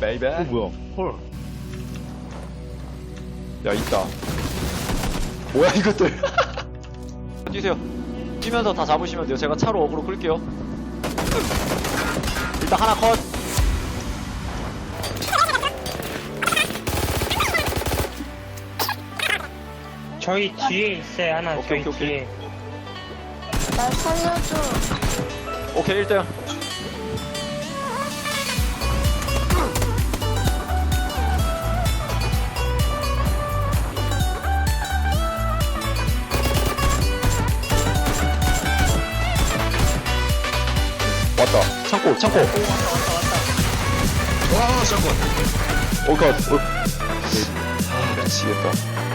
베이베. 뭐야? 헐. 야, 있다. 뭐야, 이것들. 뛰세요. 뛰면서 다 잡으시면 돼요. 제가 차로 어그로 끌게요. 일단 하나 컷. 저희 뒤에 있어요, 하나. 오케이, 저희 오케이, 뒤에. 날 살려줘. 오케이, 1등. 왔다. 창고, 창고. 와, 잠깐. 올컷, 올. 아, 미치겠다.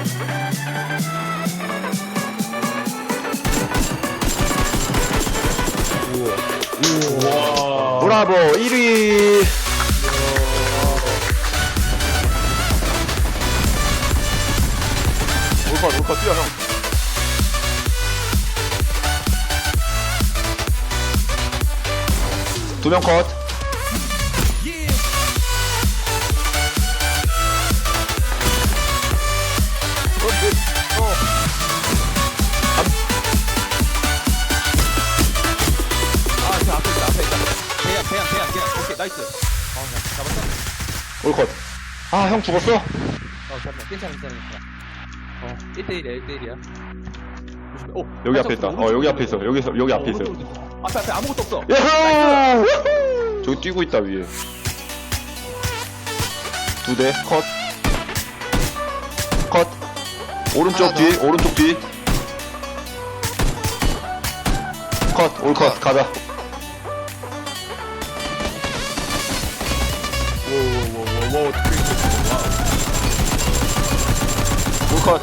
우와. 브라보, 1위. 올컷, 뛰어, 형. 두 명 컷. 저 앞에 있다. 그냥. 오케이, 나이스. 잡았다. 올컷. 아, 형 죽었어? 잠깐만. 괜찮아. 1대1이야, 1대1이야. 조심해. 오, 여기 앞에 있다. 여기 앞에 있어. 여기 앞에 있어. 앞에 아무것도 없어. 야호! 저기 뛰고 있다, 위에. 두 대, 컷. 컷. 오른쪽 뒤, 오른쪽 뒤. 컷, 올컷, 가자. 오, 올컷.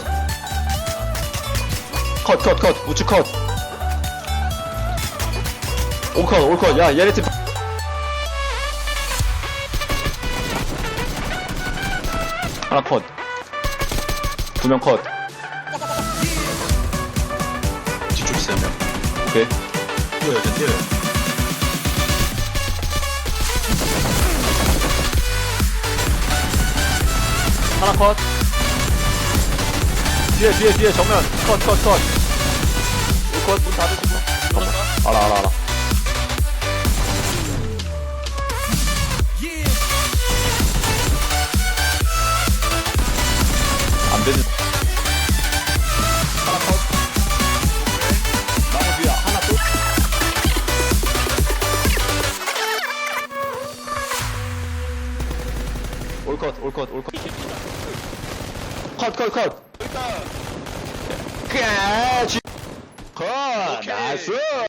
컷. 우측 컷. 올컷. 야, 얘네 팀. 하나 컷. 두 명 컷. 뒤쪽 3명. 오케이. 뛰어요. 하나 컷. 뒤에 정면. 컷. 올컷, 문 닫으시고. 알아. 안 되지. 하나 컷. 나무 뒤에 하나 또. 올컷. 컷. 컷. 나이스.